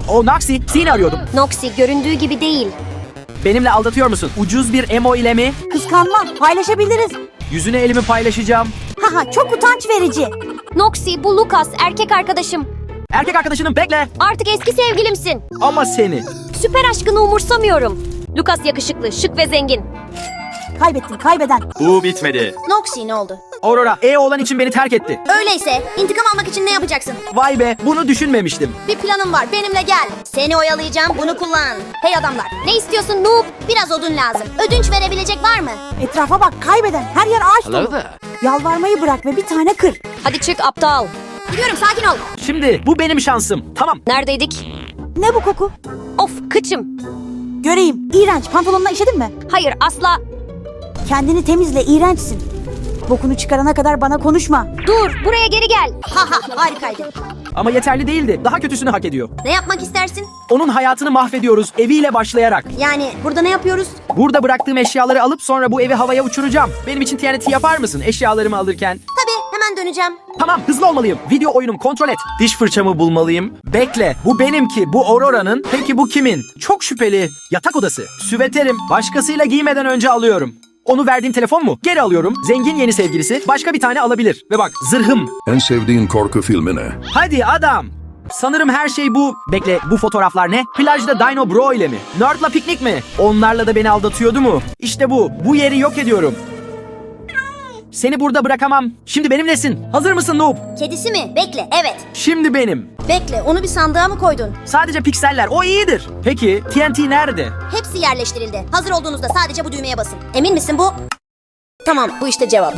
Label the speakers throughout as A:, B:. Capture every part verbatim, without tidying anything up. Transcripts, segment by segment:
A: O Noxy, seni arıyordum.
B: Noxy göründüğü gibi değil.
A: Benimle aldatıyor musun? Ucuz bir emo ile mi?
C: Kıskanma, paylaşabiliriz.
A: Yüzüne elimi paylaşacağım.
C: Haha, çok utanç verici.
B: Noxy bu Lucas, erkek arkadaşım.
A: Erkek arkadaşının bekle.
B: Artık eski sevgilimsin.
A: Ama seni.
B: Süper aşkını umursamıyorum. Lucas yakışıklı, şık ve zengin.
C: Kaybettin, kaybeden.
A: Bu bitmedi.
D: Noxy ne oldu?
A: Aurora, E olan için beni terk etti.
D: Öyleyse intikam almak için ne yapacaksın?
A: Vay be, bunu düşünmemiştim.
D: Bir planım var, benimle gel. Seni oyalayacağım, bunu kullan. Hey adamlar,
B: Ne istiyorsun noob?
D: biraz odun lazım. Ödünç verebilecek var mı?
C: Etrafa bak, kaybeden. Her yer ağaç dolu. Yalvarmayı bırak ve bir tane kır.
B: Hadi çık aptal.
D: Gidiyorum, sakin ol.
A: Şimdi bu benim şansım. Tamam.
B: Neredeydik?
C: Ne bu koku?
B: Of kıçım.
C: Göreyim. İğrenç. Pantolonuna işedin mi?
B: Hayır asla.
C: Kendini temizle, iğrençsin. Bokunu çıkarana kadar bana konuşma.
B: Dur buraya geri gel.
D: Haha, harikaydı.
A: Ama yeterli değildi. Daha kötüsünü hak ediyor.
D: Ne yapmak istersin?
A: Onun hayatını mahvediyoruz eviyle başlayarak.
D: Yani burada ne yapıyoruz?
A: Burada bıraktığım eşyaları alıp sonra bu evi havaya uçuracağım. Benim için T N T yapar mısın eşyalarımı alırken?
D: Tabii, hemen döneceğim.
A: Tamam, hızlı olmalıyım. Video oyunum, kontrol et. Diş fırçamı bulmalıyım. Bekle, bu benimki, bu Aurora'nın. Peki bu kimin? Çok şüpheli. Yatak odası. Süveterim. Başkasıyla giymeden önce alıyorum. Onu verdiğim telefon mu? Geri alıyorum. Zengin yeni sevgilisi. Başka bir tane alabilir. Ve bak, zırhım.
E: En sevdiğin korku filmi ne?
A: Hadi adam. Sanırım her şey bu. Bekle, bu fotoğraflar ne? Plajda Dino Bro ile mi? Nerd'la piknik mi? Onlarla da beni aldatıyordu mu? İşte bu. Bu yeri yok ediyorum. Seni burada bırakamam. Şimdi benimlesin. Hazır mısın noob?
D: Kedisi mi? Bekle, evet.
A: Şimdi benim.
D: Bekle, onu bir sandığa mı koydun?
A: Sadece pikseller. O iyidir. Peki T N T nerede?
D: Hepsi yerleştirildi. Hazır olduğunuzda sadece bu düğmeye basın. Emin misin bu? Tamam, bu işte cevap.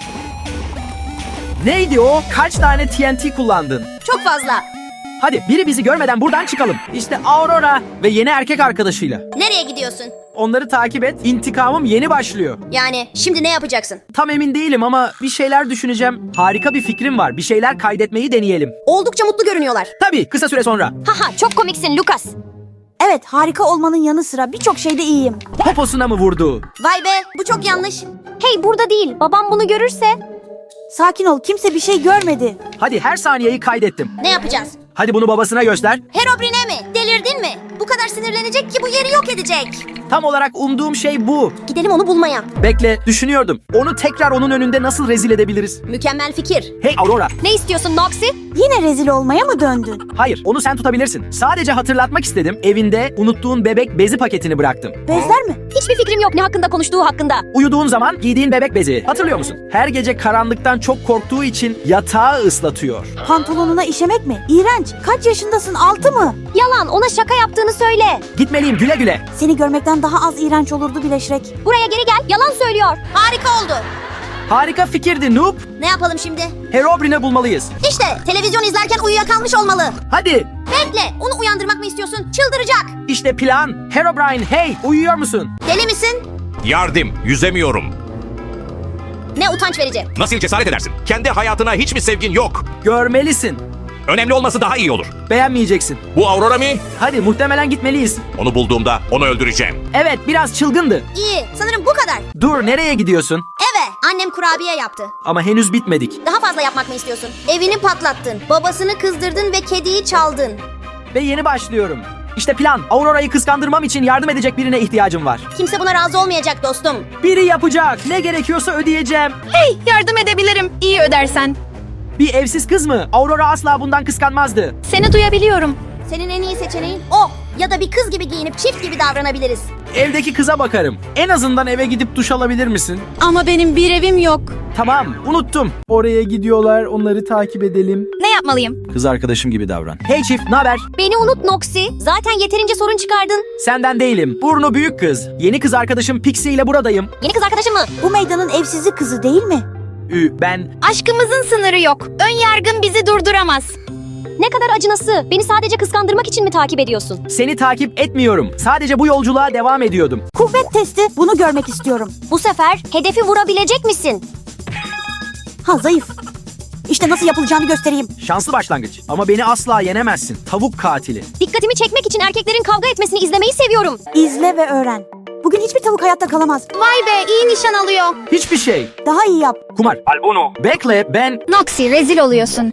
A: Neydi o? Kaç tane T N T kullandın?
D: Çok fazla.
A: Hadi biri bizi görmeden buradan çıkalım. İşte Aurora ve yeni erkek arkadaşıyla.
D: Nereye gidiyorsun?
A: Onları takip et. İntikamım yeni başlıyor.
D: Yani şimdi ne yapacaksın?
A: Tam emin değilim ama bir şeyler düşüneceğim. Harika bir fikrim var. Bir şeyler kaydetmeyi deneyelim.
D: Oldukça mutlu görünüyorlar.
A: Tabii kısa süre sonra.
B: Haha çok komiksin Lucas.
C: Evet, harika olmanın yanı sıra birçok şeyde iyiyim.
A: Poposuna mı vurdu?
D: Vay be, bu çok yanlış.
B: Hey burada değil. Babam bunu görürse.
C: Sakin ol, kimse bir şey görmedi.
A: Hadi her saniyeyi kaydettim.
D: Ne yapacağız?
A: Hadi bunu babasına göster.
D: Herobrine mi? Delirdin mi? Bu kadar sinirlenecek ki bu yeri yok edecek.
A: Tam olarak umduğum şey bu.
D: Gidelim onu bulmaya.
A: Bekle, düşünüyordum. Onu tekrar onun önünde nasıl rezil edebiliriz?
D: Mükemmel fikir.
A: Hey Aurora.
B: Ne istiyorsun Noxy?
C: Yine rezil olmaya mı döndün?
A: Hayır, onu sen tutabilirsin. Sadece hatırlatmak istedim. Evinde unuttuğun bebek bezi paketini bıraktım.
C: Bezler mi?
B: Hiçbir fikrim yok ne hakkında konuştuğu hakkında.
A: Uyuduğun zaman giydiğin bebek bezi. Hatırlıyor musun? Her gece karanlıktan çok korktuğu için yatağı ıslatıyor.
C: Pantolonuna işemek mi? İğrenç. Kaç yaşındasın? Altı mı?
B: Yalan ona şaka yaptığını söyle.
A: Gitmeliyim, güle güle.
C: Seni görmekten daha az iğrenç olurdu bile Shrek.
B: Buraya geri gel yalan söylüyor.
D: Harika oldu.
A: Harika fikirdi noob.
D: Ne yapalım şimdi?
A: Herobrine bulmalıyız.
D: İşte televizyon izlerken uyuyakalmış olmalı.
A: Hadi.
D: Bekle, onu uyandırmak mı istiyorsun? Çıldıracak.
A: İşte plan. Herobrine, hey, uyuyor musun?
D: Deli misin?
F: Yardım, yüzemiyorum.
D: Ne utanç verici.
F: Nasıl cesaret edersin? Kendi hayatına hiç mi sevgin yok?
A: Görmelisin.
F: Önemli olması daha iyi olur.
A: Beğenmeyeceksin.
F: Bu Aurora mı?
A: Hadi muhtemelen gitmeliyiz.
F: Onu bulduğumda onu öldüreceğim.
A: Evet, biraz çılgındı.
D: İyi, sanırım bu kadar.
A: Dur, nereye gidiyorsun?
D: Eve, annem kurabiye yaptı.
A: Ama henüz bitmedik.
D: Daha fazla yapmak mı istiyorsun? Evini patlattın, babasını kızdırdın ve kediyi çaldın.
A: Ve yeni başlıyorum. İşte plan. Aurora'yı kıskandırmam için yardım edecek birine ihtiyacım var.
D: Kimse buna razı olmayacak dostum.
A: Biri yapacak. Ne gerekiyorsa ödeyeceğim.
G: Hey, yardım edebilirim. İyi ödersen.
A: Bir evsiz kız mı? Aurora asla bundan kıskanmazdı.
G: Seni duyabiliyorum.
D: Senin en iyi seçeneğin o. Ya da bir kız gibi giyinip çift gibi davranabiliriz.
A: Evdeki kıza bakarım. En azından eve gidip duş alabilir misin?
G: Ama benim bir evim yok.
A: Tamam, unuttum. Oraya gidiyorlar, onları takip edelim.
G: Ne yapmalıyım?
A: Kız arkadaşım gibi davran. Hey çift, naber?
B: Beni unut Noxy. Zaten yeterince sorun çıkardın.
A: Senden değilim. Burnu büyük kız. Yeni kız arkadaşım Pixie ile buradayım.
B: Yeni kız arkadaşın mı?
C: Bu meydanın evsizi kızı değil mi?
A: Ü, ben...
G: Aşkımızın sınırı yok. Ön yargın bizi durduramaz.
B: Ne kadar acınası. Beni sadece kıskandırmak için mi takip ediyorsun?
A: Seni takip etmiyorum. Sadece bu yolculuğa devam ediyordum.
C: Kuvvet testi. Bunu görmek istiyorum.
B: Bu sefer hedefi vurabilecek misin?
C: Ha, zayıf. İşte nasıl yapılacağını göstereyim.
A: Şanslı başlangıç. Ama beni asla yenemezsin. Tavuk katili.
B: Dikkatimi çekmek için erkeklerin kavga etmesini izlemeyi seviyorum.
C: İzle ve öğren. Bugün hiçbir tavuk hayatta kalamaz.
G: Vay be, iyi nişan alıyor.
A: Hiçbir şey.
C: Daha iyi yap.
A: Kumar. Albono. Bekle, ben...
G: Noxy, rezil oluyorsun.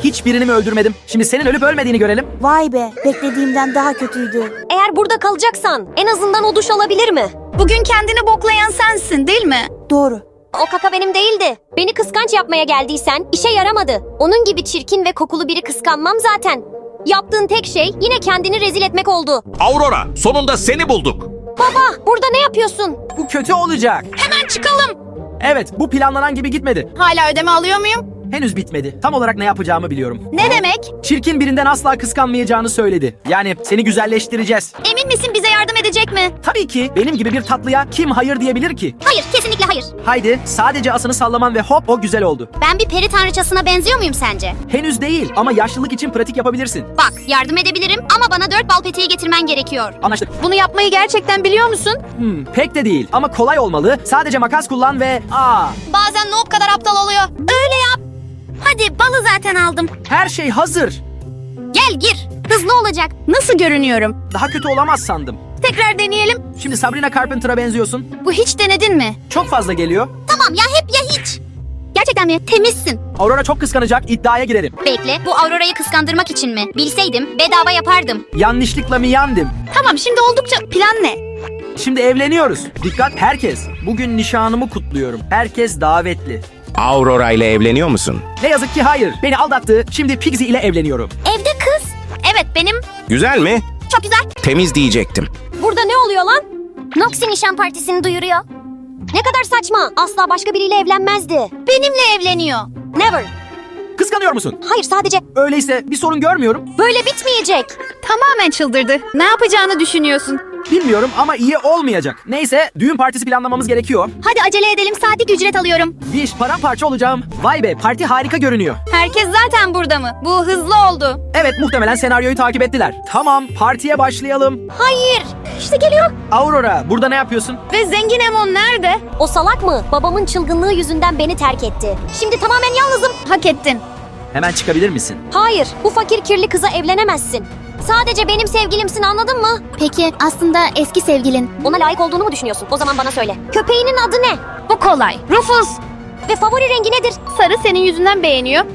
A: Hiçbirini mi öldürmedim? Şimdi senin ölüp ölmediğini görelim.
C: Vay be, beklediğimden daha kötüydü.
B: Eğer burada kalacaksan en azından o duş alabilir mi?
G: Bugün kendini boklayan sensin değil mi?
C: Doğru.
B: O kaka benim değildi. Beni kıskanç yapmaya geldiysen işe yaramadı. Onun gibi çirkin ve kokulu biri kıskanmam zaten. Yaptığın tek şey yine kendini rezil etmek oldu.
F: Aurora, sonunda seni bulduk.
B: Baba, burada ne yapıyorsun?
A: Bu kötü olacak.
G: Hemen çıkalım.
A: Evet, bu planlanan gibi gitmedi.
G: Hala ödeme alıyor muyum?
A: Henüz bitmedi. Tam olarak ne yapacağımı biliyorum.
G: Ne demek?
A: Çirkin birinden asla kıskanmayacağını söyledi. Yani seni güzelleştireceğiz.
G: Emin misin bize yardım edecek mi?
A: Tabii ki benim gibi bir tatlıya kim hayır diyebilir ki?
D: Hayır, kesinlikle hayır.
A: Haydi sadece asını sallaman ve hop o güzel oldu.
D: Ben bir peri tanrıçasına benziyor muyum sence?
A: Henüz değil ama yaşlılık için pratik yapabilirsin.
D: Bak, yardım edebilirim ama bana dört bal peteği getirmen gerekiyor.
A: Anlaştık.
G: Bunu yapmayı gerçekten biliyor musun?
A: Hmm, pek de değil ama kolay olmalı. Sadece makas kullan ve aa,
G: Bazen noob kadar aptal oluyor. Öyle yap.
D: Hadi, balı zaten aldım.
A: her şey hazır.
D: Gel gir. Hızlı olacak.
G: Nasıl görünüyorum?
A: Daha kötü olamaz sandım.
G: Tekrar deneyelim.
A: Şimdi Sabrina Carpenter'a benziyorsun.
G: Bu hiç denedin mi?
A: Çok fazla geliyor.
D: Tamam ya, hep ya hiç.
G: Gerçekten mi?
D: Temizsin.
A: Aurora çok kıskanacak, iddiaya girerim.
D: Bekle, bu Aurora'yı kıskandırmak için mi? Bilseydim bedava yapardım.
A: Yanlışlıkla mı yandım?
G: Tamam, şimdi oldukça plan ne?
A: Şimdi evleniyoruz. Dikkat herkes. Bugün nişanımı kutluyorum. Herkes davetli.
H: Aurora ile evleniyor musun?
A: Ne yazık ki hayır. Beni aldattı. Şimdi Pigsy ile evleniyorum.
D: Evde kız.
G: Evet, benim.
H: Güzel mi?
G: Çok güzel.
H: Temiz diyecektim.
B: Burada ne oluyor lan?
D: Noxy nişan partisini duyuruyor.
B: Ne kadar saçma. Asla başka biriyle evlenmezdi.
G: Benimle evleniyor.
B: Never.
A: Kıskanıyor musun?
B: Hayır, sadece
A: Öyleyse bir sorun görmüyorum.
B: böyle bitmeyecek.
G: Tamamen çıldırdı. Ne yapacağını düşünüyorsun?
A: Bilmiyorum ama iyi olmayacak. Neyse düğün partisi planlamamız gerekiyor.
G: Hadi acele edelim, saatlik ücret alıyorum.
A: Bir iş paramparça olacağım. Vay be parti harika görünüyor.
G: Herkes zaten burada mı? Bu hızlı oldu.
A: Evet muhtemelen senaryoyu takip ettiler. Tamam partiye başlayalım.
B: Hayır. İşte geliyor.
A: Aurora burada ne yapıyorsun?
G: Ve zengin Emon nerede?
B: O salak mı? Babamın çılgınlığı yüzünden beni terk etti. Şimdi tamamen yalnızım.
G: Hak ettin.
A: Hemen çıkabilir misin?
B: Hayır, bu fakir kirli kıza evlenemezsin. Sadece benim sevgilimsin, anladın mı?
G: Peki aslında eski sevgilin.
B: Ona layık olduğunu mu düşünüyorsun? O zaman bana söyle. Köpeğinin adı ne?
G: Bu kolay. Rufus.
B: Ve favori rengi nedir?
G: Sarı senin yüzünden beğeniyor.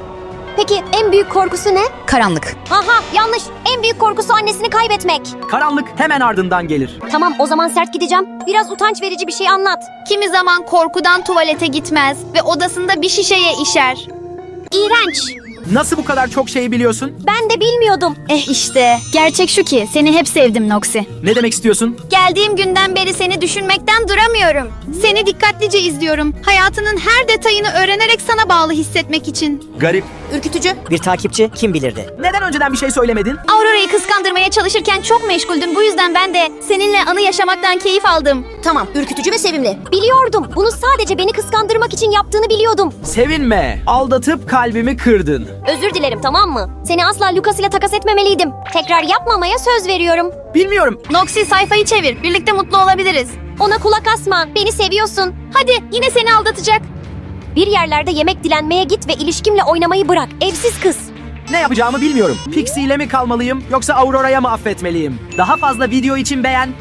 B: Peki en büyük korkusu ne?
G: Karanlık.
B: Aha, yanlış. En büyük korkusu annesini kaybetmek.
A: Karanlık hemen ardından gelir.
B: Tamam, o zaman sert gideceğim. Biraz utanç verici bir şey anlat.
G: Kimi zaman korkudan tuvalete gitmez ve odasında bir şişeye işer.
D: İğrenç.
A: Nasıl bu kadar çok şey biliyorsun?
B: Ben de bilmiyordum.
G: Eh işte. Gerçek şu ki seni hep sevdim Noxy.
A: Ne demek istiyorsun?
G: Geldiğim günden beri seni düşünmekten duramıyorum. Seni dikkatlice izliyorum. Hayatının her detayını öğrenerek sana bağlı hissetmek için.
A: Garip.
D: Ürkütücü.
I: Bir takipçi kim bilirdi?
A: Neden önceden bir şey söylemedin?
G: Aurora'yı kıskandırmaya çalışırken çok meşguldüm. Bu yüzden ben de seninle anı yaşamaktan keyif aldım.
D: Tamam, ürkütücü ve sevimli.
B: Biliyordum. Bunu sadece beni kıskandırmak için yaptığını biliyordum.
A: Sevinme. Aldatıp kalbimi kırdın.
B: Özür dilerim, tamam mı? Seni asla Lucas ile takas etmemeliydim. Tekrar yapmamaya söz veriyorum.
A: Bilmiyorum.
G: Noxy sayfayı çevir. Birlikte mutlu olabiliriz.
B: Ona kulak asma. Beni seviyorsun.
G: Hadi yine seni aldatacak.
B: Bir yerlerde yemek dilenmeye git ve ilişkimle oynamayı bırak. Evsiz kız.
A: Ne yapacağımı bilmiyorum. Pixie ile mi kalmalıyım yoksa Aurora'ya mı affetmeliyim? Daha fazla video için beğen,